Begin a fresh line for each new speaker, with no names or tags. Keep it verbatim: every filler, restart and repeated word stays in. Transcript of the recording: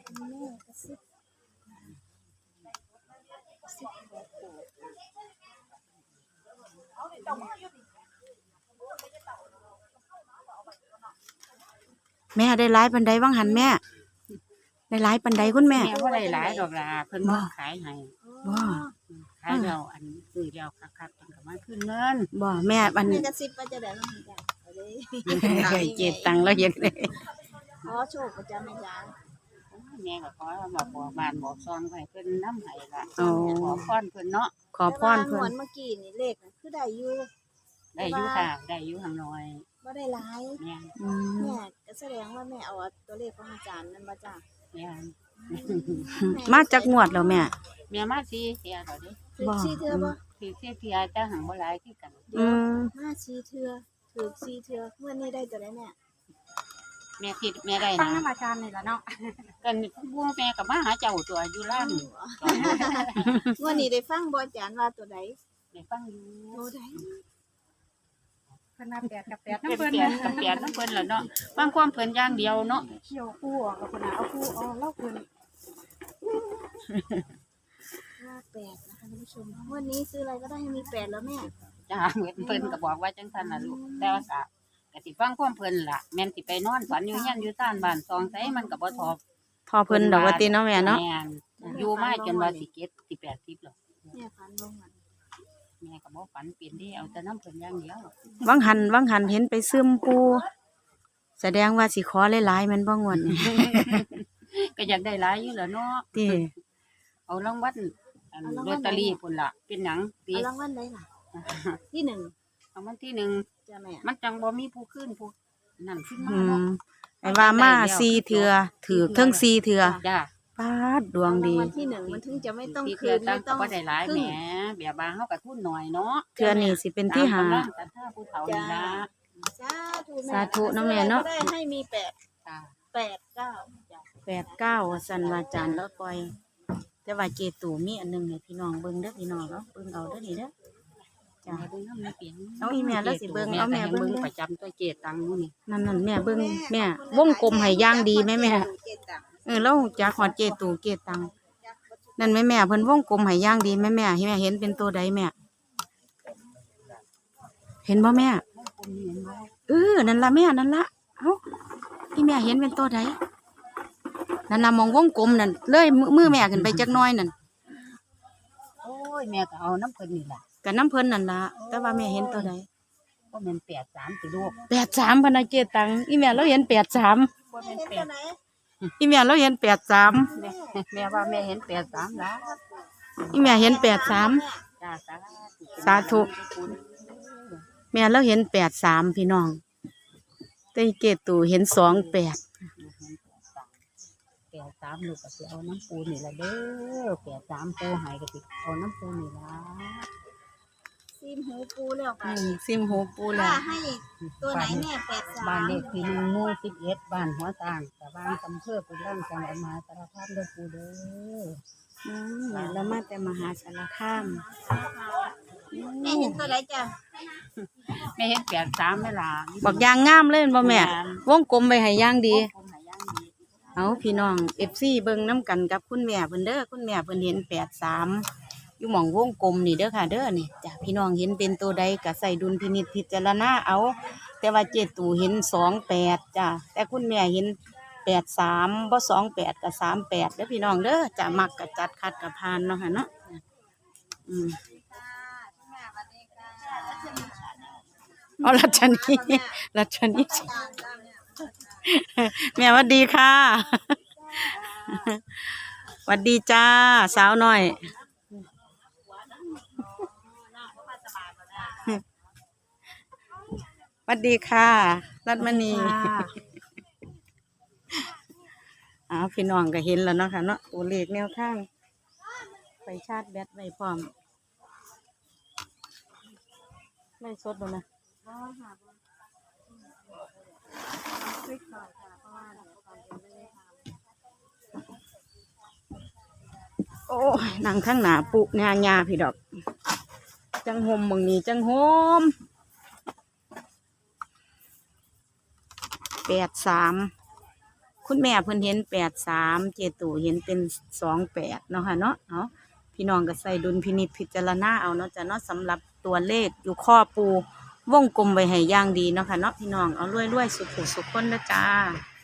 แม่กระซิบกระซิบบอกปู่
แม่ได้หลายปันใดว่างหันแม่ได้หลายปันใดคุณแม่
แม่ว่าได้หลายดอกลาเพิ่นบ่ขายให้
บ่
ขายแล้วอันซื้อแล้วคักๆจังก็มาขึ้นเงิน
บ่แม่อัน
แม่กระซิบว่าจะได้บ้างจ้ะเอาเลย
เจ็ดตังค์แล้วเฮ็ดได้
ขอโชคประจำแม่จ้า
แม่ก็ขอมาบอกบ้านบอกซองให้เพิ่นนำให้ล่ะ
โอ้
ขอพรเพิ่นเนาะ
ขอพร
เพิ่
เพิ่
น
น
เมื่อกี้นี่เลขน่ะคือได้อยู่
ได้อยู่ค่ะได้อยู่ข้างน้อย
บ่ได้หลาย
แม่
อืม
แม่ก็แสดงว่าแม่เอาตัวเลขของอาจารย์นั่นมาจ้ะ
แม่
มาจากงวดแล้วแม่
แม่มาสิเที่ยแล้วเด้
ถือซีเทือบ่
สิเที่ยเที่ยแต่หังบ่หลายคือกัน
อืม
มาซีเทือถือซีเทือเมื่อนี้ได้ตัวได้แม่
แม่คิดแม่ได้
ตั้ง
นะ
น้ำอาจารย์นี่ละเนาะ
กันบ่แม่ก็มาหาเจ้าตัวอยู่ร้าน
เมื่อนี้ได้ฟังบ่อาจารย์ว่าตัวใด
ได้ฟังอยู่
ตัวใด
เพิ่นมาแปดกับแปด
เป็
น้ำ
น
เพิ่น
เปลี่ยนกับเปลี่ยนน้ำเพิ่นล่ะเนาะบางความเพิ่นอย่างเดียวเนาะ
เขี่ยวคู่ออกกับคนน่ะเอาคู่เอาเล่าเพิ่น
ห้าแปดนะคะท่านผู้ชมวันนี้ซื้ออะไรก็ได้ให้มีแปดแล้วแม่
จ้าเพิ่นเพิ่นก็บอกว่าจังซั่นน่ะลูกแต่ว่าก็ก็สิฟังความเพิ่นล่ะแม่นสิไปนอนฝันอยู่เฮียนอยู่ซ่านบ้านซองไสมันก็บ่ทอบ
พอเพิ่นดอกว่าติเนาะแม่เนาะ
แม่นอยู่มาจนว่าสิเก็ดสิแปดสิบแล้ว
แม่ฝันบ่มัน
แม่ก็บ่ฝันเปลี่ยนที่เอาแต่น้ำเพิ่นอย่างเดียว
วังหันวังหันเห็นไปซึมปูแสดงว่าสิขอหลายๆแมันบ่งวดนี่
ก็อยากได้หลายอยู่แหล้วเนาะ
ติ
เอารางวัลอันลอตเตอรี่พุ่นล่ะเป็นหยังปี
เอารางวัลได้ล่ะที่หนึ่ง
รางวัลที่หนึ่ง
จ้ะแม่
มันจังบ่มีผู้ขึ้นผู้นั่นขึ้นมา
อื
เนาะ
มไอ้ว่ามาสี่เทื่อถือเทั้งสี่เทื่อ
จ้า
ปาดดวงดี
รางวัลที่หนึ่งมันถึงจะไม่ต้อง
ที่
คื
เทื่อน ตั้
ไม่
ง
ต้อง
ก็บ่ได้หลาย
ครึ่
แหม
ง
แบบบางเฮาก็ทุนหน่อยเนาะ
เทื่อนี้สิเป็นที่หา
ตมกำลังแต่ถ้าผู้เฒ่านี่ล่ะ
สาธุแม่
สาธุเนาะแม่เนาะ
ได้ให้มีแปด
จ้า
แปดเก้าจ้ะ
แปดเก้าว่าสันว่าจานแล้วปล่อย แต่ว่าเจตูมีอันหนึงให้พี่น้องเบิ่งเด้อพี่น้องเนาะเบิ่งเอาเด้อนี่เด้อจ้ะ
แม่เบิ่งนำเปลี่ยน
เอาอีแม่แล้วสิเบิ่งเอาแม่เบิ่ง
ประจำตัวเจตังมื้อนี่
นั่นนั่นแม่เบิ่งแม่วงกลมให้ย่างดีแม่แม่
เจ็ดตังค์
เออแล้วจากฮอดเจตูเจตังนั่นแม่แม่เพิ่นวงกลมให้ย่างดีแม่แม่ให้แม่เห็นเป็นตัวใดแม่ เห็นบ่แม่เออนั่นล่ะแม่นั่นล่ะเอ้าอีแม่เห็นเป็นตัวใดนั่นล่ะมองวงกลมนั่นเลยมือมือแม่ขึ้นไปจักหน้อยนั่น
โอ้ยแม่ก็เอาน้ำเพิ่นนี่ล่ะ
กับน้ำเพิ่นนั่นล่ะแต่ว่าแม่เห็นตัวใด
บ่แม่นแปดสามสิลูก
แปดสามพนักเจตังอีแม่เราเห็นแปดสาม
บ่แม่น
เห็น
แป
ตัว
ด
ไหน
อีแม่เราเห็นแปดสาม
แม่แม่ว่าแม่เห็นแปดสามล่ะ
อีแม่เห็นแปดสาม
จ้าสา
สาธุแม่เราเห็นแปดสามพี่น้องแต่อีเจตูเห็นสองแปด
แปดสามลูกก็สิเอาน้ำปูนี่ล่ะเด้อแปดสามปูใหายก็สิเอาน้ำปูนี่ล่ะ
ซีมหูปูแล้วกั
อื
น
มซิมหูปูแล้
ว่าว ให้ตัวไหนแม่แปดสา
บ้าน
ม
เลขที่หนึ่งหมู่สิบเอ็ดบ้านหัวต่างแต่บ้านอำเภอปุรังจังหวัดมหาสารคามเด้อปูเด้อ
อืมแม่เรามาแต่มหาสารคาม
แม่เห็นตัวไหนจ้ะ
แม่เห็นแปดสามไหมล่ะ
บักยางงามเลยแม่นบ่แม่วงกลมไปให้ย่างดี
ปูใหายย่างดี
เอาพี่น้อง เอฟ ซี เบิ่งน้ำกันกับคุณแม่เพิ่นเด้อคุณแม่เพิ่นเห็นแปดสามอยู่หม่องวงกลมนี่เด้อค่ะเด้อนี่จ้ะพี่น้องเห็นเป็นตัวใดก็ใส่ดุลพินิจพิจารณาเอา แต่ว่าเจตูเห็นสองแปดจ้ะแต่คุณแม่เห็นแปดสามบ่สองแปดกับสามแปดเด้อพี่น้องเด้อจะมักกับจัดคัดกับพานเนาะค่ะเนาะอืมเอารัชนีรัชนีแม่หวัดดีค่ะหวัดดีจ้าสาวน้อยหวัดดีค่ะรัตมณีอ้าวพี่น้องก็เห็นแล้วเนาะค่ะเนาะตัวเลขแนวทางไปชาร์จแบตไว้พร้อมไม่สดแล้วนะโอ้ยนั่งข้างหน้าปุญาญาพี่ดอกจังหมมึงนี่จังหมแปดสามคุณแม่เพิ่นเห็นแปดสามเจตูเห็นเป็นสองแปดเนาะค่ะเนาะเอาพี่น้องก็ใส่ดุลพินิจพิจารณาเอาเนาะจ้ะเนาะสำหรับตัวเลขอยู่ข้อปูวงกลมไว้ให้อย่างดีเนาะค่ะเนาะพี่น้องเอารวยๆสุขๆสุขคนเด้อจ้า